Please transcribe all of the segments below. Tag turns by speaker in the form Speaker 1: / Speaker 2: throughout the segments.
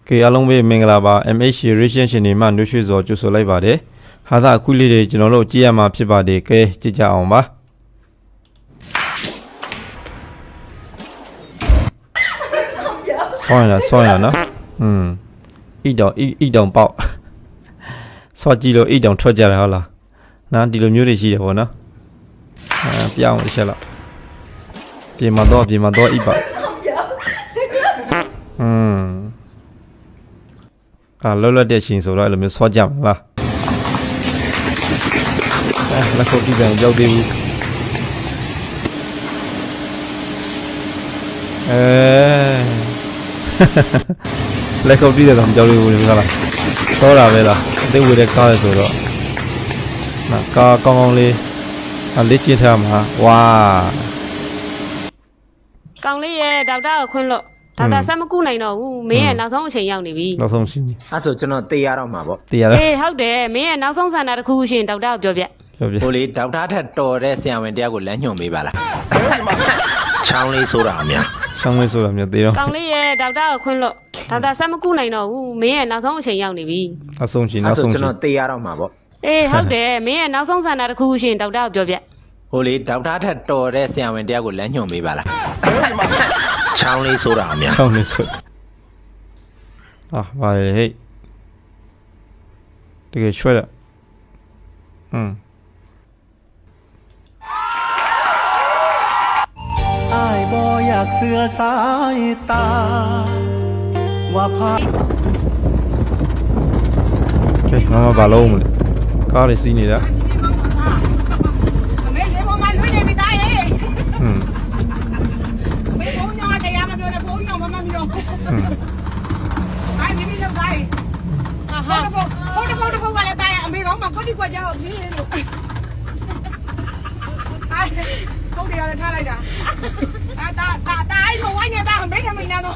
Speaker 1: ကေအားလုံးပဲမင်္ဂလာပါ MH Relation ရှင်တွေမှနှွှေးရွှေစွာကြိုဆိုလိုက်ပါတယ်ဟာသာအခုလေးတွေကျွန်တော်တို့ကြည့်ရမှာဖြစ်ပါတယ်ကဲကြည့်ကြအောင်ပါဆောင်းရနော်ဣတောင်ပေါက်ဆော့ကြည့်လို့ဣတောင်ထွက်ကြတယ်ဟုတ်လားနော်ဒီလိုမျိုးတွေရှိတယ်ပေါ့နော်ပြောင်းချက်လောက်ပြင်မှာတော့ဣပါလောလောတဲ့ရှင်ဆိုတော့အဲ့လိုမျိုးဆော့ကြမှာလားလက်ခုပ်ပြီးပြန်ရောက်သေးဘူးလက်ခုပ်ပြီးတော့ကြောက်လို့ဘူးဟုတ်လားတော့တာပဲလားအသေးဝေတဲ့ကားရဆိုတော့နော်ကားကောင်းလေးလက်ကျစ်ထားမှာဝါ
Speaker 2: ကောင်းလေးရဲ့ဒေါက်တာကိုခွင့်လို့ဒေါက်တာဆက်မကူနိုင်တော့ဘူးမင်းရဲ့နောက်ဆုံးအချိန်ရောက်နေပြီ
Speaker 1: နောက်ဆုံးရှင်
Speaker 3: အဲ့ဆိုကျွန်တော်တေးရတော့မှာပေါ့
Speaker 1: တေးရ
Speaker 2: အေးဟုတ်တယ်မင်းရဲ့နောက်ဆုံးဆန္ဒတစ်ခုရှင်ဒေါက်တာကိုပြောပြ
Speaker 3: ဟိုလေဒေါက်တာထက်တော်တဲ့ဆရာဝန်တရားကိုလမ်းညွှန်ပေးပါလားချောင်းလေးဆိုတာအများ
Speaker 1: ချောင်းလေးဆိုတာအများတေးတော့
Speaker 2: ကောင်းလေးရဲ့ဒေါက်တာကိုခွင့်လို့ဒေါက်တာဆက်မကူနိုင်တော့ဘူးမင်းရဲ့နောက်ဆုံးအချိန်ရောက်နေပြီ
Speaker 1: နောက်ဆုံးရှင်နောက်ဆုံး
Speaker 3: ကျွန်တော်တေးရတော့မှာပေါ့
Speaker 2: အေးဟုတ်တယ်မင်းရဲ့နောက်ဆုံးဆန္ဒတစ်ခုရှင်ဒေါက်တာကိုပြောပြ
Speaker 3: ဟိုလေဒေါက်တာထက်တော်တဲ့ဆရာဝန်တရားကိုလမ်းညွှန်ပေးပါလားချောင်းလေးဆိုတာအများ
Speaker 1: ချောင်းလေးဆိုပါလေဟဲ့တကယ်ရွှဲတာ
Speaker 4: อ้ายบ่อยากเสือสายตาว่าพา
Speaker 1: โอเคมาဘာလုံးမလဲကားလေးစီးနေတာ
Speaker 5: ဟုတ်တယ်ရတယ်ထားလိုက်တာတာအဲ့လိုဝိုင်းနေတာမိတ်ထမိန်နာတော့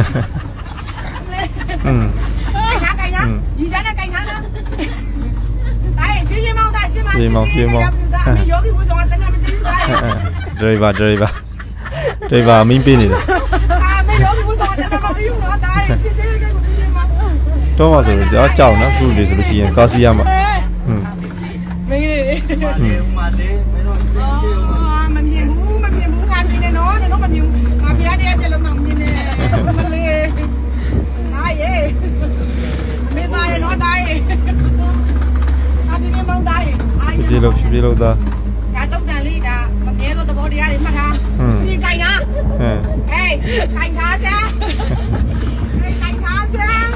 Speaker 5: ကိုင်နာဒီကြတဲ့ကိုင်နာလားအဲ့ဒီမောင်သားရှင်းပါရှင်းမောင်ယောဂီဝဆောင်တဲ့နေပြီးသား
Speaker 1: ဒရိုင်ဘာမင်းပေးနေတယ်
Speaker 5: မေယောဂီဝဆောင်တဲ့နေပြီးတော့တာစစ်စစ်ကိုပြီးမှာ
Speaker 1: တော့မှဆိုတော့ကြောက်နော်ခုလေးဆိုလို့ရှိရင်ကာစီရမှာ
Speaker 5: မင်းကြီးမလေးမင်းတို့မမြင်ဘူးငါမြင်နေနော်မမြင်ဘူးငါပြရတဲ့ကျလို့မမြင်နဲ့မလေးဟာယေမေးပါရနော်တာယေအဘိမေမောင်တာယေ
Speaker 1: ပြေလို့သား
Speaker 5: ဒါတော့တန်လေးဒါမမြဲတော့သဘောတရားတွေမှတ်ထားဒီကိုင်နာဟေးကိုင်ထားကြကိုင်ထားစမ်း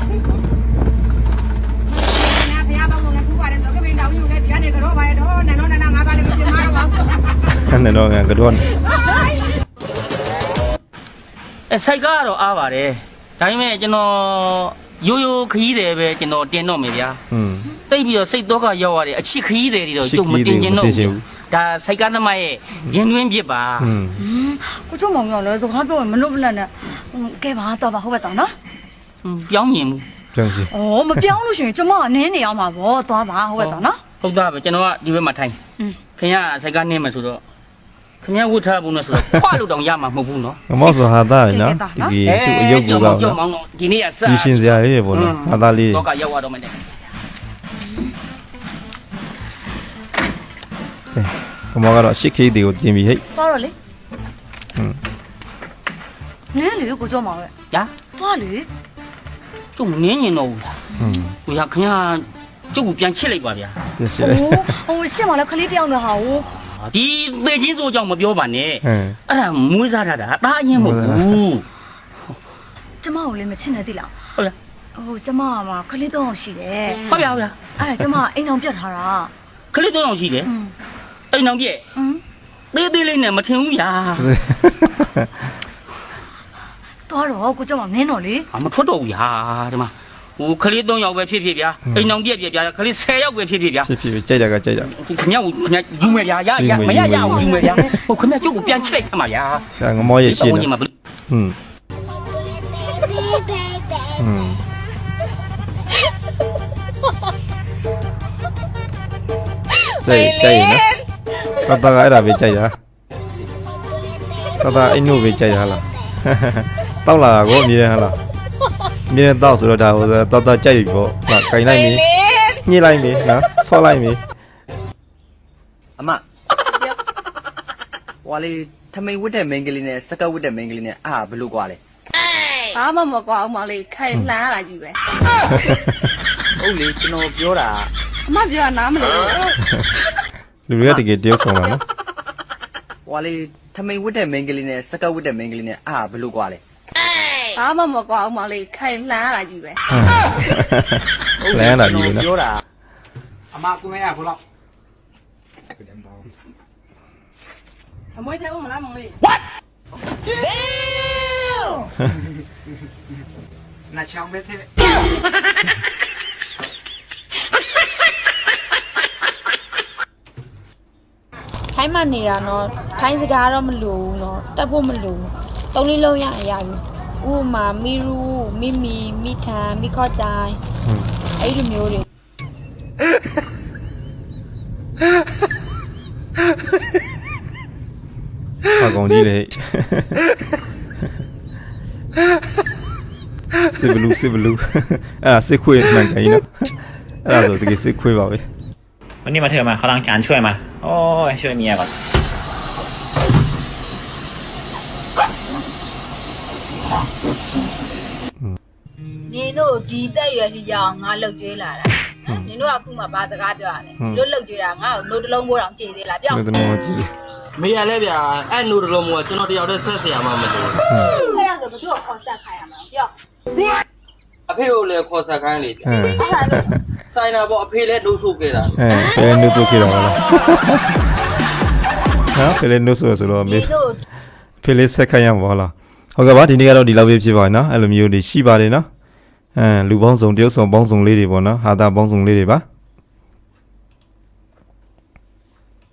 Speaker 1: နဲ့တော့ငါကတော့
Speaker 6: စိုက်ကားကတော့အားပါတယ်ဒါပေမဲ့ကျွန်တော်ရိုးခရီးတယ်ပဲကျွန်တော်တင်တော့မယ်ဗျာတိတ်ပြီးတော့စိတ်တော့ကရောက်ရတယ်အချစ်ခရီးတယ်တွေတော့ကျုပ်မတင်ကျင်တော့ဘူးဒါစိုက်ကားသမားရဲ့ရင်တွင်းပြစ်ပါ
Speaker 7: ကိုချုံမောင်ရောလဲစကားပြောရင်မလို့မလန့်နဲ့ကဲပါတော့ပါဟုတ်ပါတော့နော်
Speaker 6: ပြောင်းရင်ဘူး
Speaker 1: ပြောင်းစီ
Speaker 7: ဩမပြောင်းလို့ရှိရင်ကျမကနင်းနေအောင်ပါဗောသွားပါဟုတ်ပါတော့နော်
Speaker 6: ဟုတ်သားပဲကျွန်တော်ကဒီဘက်မှာထိုင်ခင်ဗျာစိုက်ကားနင်းမယ်ဆိုတော့ခင်ဗျာဝတ်ထားဘူးနော်ဆိုတော့ခွာလို့တောင်ရမှာမဟုတ်ဘူးနော်
Speaker 1: မောက်ဆိုဟာသားရနော်ဒီသူ့အယုတ်ကူက
Speaker 6: ကြောက်မောင်းတော့ဒီနေ့ကစ
Speaker 1: ဒီရှင်စရာလေးတွေပေါ့နော်ဟာသားလေး
Speaker 6: တော့ကရောက်သွားတော့မယ်
Speaker 1: မောကတော့8K တွေကိုတင်ပြီးဟဲ့
Speaker 7: သွားတော့လေနင်းလေကိုကြောက်မှာပဲ
Speaker 6: ညာ
Speaker 7: သွားလေ
Speaker 6: ကျုပ်နင်းရင်တော့ဘူးလားကိုရခင်ဗျာကျုပ်ကိုပြန်ချစ်လိုက်ပါဗျာ
Speaker 1: ပြန်ချစ်လိုက်
Speaker 7: ဟိုရှင်းမလဲခလေးတယောက်နဲ့ဟာဟို
Speaker 6: ဒီသေချင်းစိုးကြောင့်မပြောပါနဲ့အဲ့ဒါမွေးစားတာဒါအရင်မဟုတ်ဘူး
Speaker 7: ကျမကိုလည်းမချစ်နေသေးလား
Speaker 6: ဟုတ်လား
Speaker 7: ဟိုကျမကမှခလေး3အောင်ရှိတယ်
Speaker 6: ဟုတ်ဗျာအဲ့
Speaker 7: ဒါကျမအိမ်အောင်ပြတ်ထားတာ
Speaker 6: ခလေး3အောင်ရှိတယ်အိမ်အောင်ပြက်သေးလေးနဲ့မထင်ဘူးဗျာ
Speaker 7: တော့ကိုကျမနင်းတော့လေ
Speaker 6: မထွက်တော့ဘူးဗျာဒီမှာဟိုခလေး3ယောက်ပဲဖြစ်ဗျာအိမ်အောင်ပြက်ဗျာခလေး10ယောက်ပဲဖြစ်ဗျာ
Speaker 1: ဖြစ်ကြိုက်တာကကြိုက်တာ
Speaker 6: ခင်ဗျယူမယ်ဗျာရမရအောင်ယူမယ်ဗျာဟိုခင်ဗျကျုပ်ကိုပြန်ချိလိုက်စမ်းပါဗျာ
Speaker 1: ငမောရဲ့ရှင်းတာကြိုက်နော်တတကအဲ့ဒါပဲကြိုက်တာတတအိမ်နို့ပဲကြိုက်တာလားတောက်လာတာကိုအမြင်ရဟလားမြင်းတော့ဆိုတော့ဒါဟိုတော့ကြိုက်ပြီပေါ့ဟာခိုင်လိုက်ပြီညှိလိုက်ပြီနော်ဆော့လိုက်ပြီ
Speaker 8: အမဟွာလေးထမိန်ဝတ်တဲ့မိန်းကလေးနဲ့စကတ်ဝတ်တဲ့မိန်းကလေးနဲ့အာဘလို့ကွာလဲ
Speaker 7: ဘာမှမကွာအောင်မလေးခိုင်လှမ်းလာကြီးပဲ
Speaker 8: ဟုတ်လေကျွန်တော်ပြောတာ
Speaker 7: အမပြောတာနားမလဲ
Speaker 1: လူတွေကတကယ်တယောက်ဆောင်လာနော်
Speaker 8: ဟွာလေးထမိန်ဝတ်တဲ့မိန်းကလေးနဲ့စကတ်ဝတ်တဲ့မိန်းကလေးနဲ့အာဘလို့ကွာလဲ
Speaker 7: ဘာမှမကွာအောင်မလေးခိုင်လှမ်းလာကြီးပဲ
Speaker 1: လဲလာပြီနော်
Speaker 8: ပြောတာ
Speaker 5: အမကူမဲရဘလို့အမွေးထဲဦးမလားမလေး နာချောင်းမဲထဲ
Speaker 9: ထိုင်းမှနေတာနော်ထိုင်းစကားတော့မလိုဘူးနော်တက်ဖို့မလိုဘူးသုံးလေးလုံးရရပြီဥပမာမီရူမီမီမိထန်မိခေါ်ကြိုင်အဲ့လိုမျိုးတွေ
Speaker 1: ဟာကောင်ကြီးလေစစ်ဘလူးအဲ့ဒါစစ်ခွေးမှန်ကန်ကြီးနော်အဲ့ဒါဆိုတကယ်စစ်ခွေးပါပဲ
Speaker 10: วันนี้มาเถอะมาเขาล้างจานช่วยมาโอ้ยช่วยเมียก่อน
Speaker 7: နင်တို့ဒီတက်ရွယ်စီကြောင်ငါလှုပ်ကြွေးလာတာနင်တို့ကအခုမှဘာစကားပြောရလဲတို့လှုပ်ကြွေးတာငါ့ကိုနိုးတလုံးမိုးတောင်ကြည်သေးလားပြော
Speaker 1: ဘယ်တော့မှကြည့်
Speaker 8: မေးရလဲဗျာအဲ့နိုးတလုံးမို့ကျွန်တော်တယောက်တည်းဆက်เสียမှာမလို့
Speaker 7: အဲ့ဒါဆိုဘယ်သူ့ကိုခွန်ဆက်ခိုင်းရမှာပြော
Speaker 8: အဖေကိုလည်းခေါ်ဆက်ခိုင်းလေဆိုင်တာပေါ့အဖေလည်းနှုတ်ဆုခဲ့တာ
Speaker 1: ဘယ်နုဆိုခေတော့လားဟာဘယ်နုဆိုတော့မေဖေးလေးဆက်ခိုင်းရမှာလားဟုတ်ကဲ့ပါဒီနေ့ကတော့ဒီလောက်ပဲဖြစ်ပါနော်အဲ့လိုမျိုးတွေရှိပါတယ်နော်လူပေါင်းစုံတယောက်ဆောင်ပေါင်းစုံလေးတွေပေါ့နော်ဟာတာပေါင်းစုံလေးတွေပါ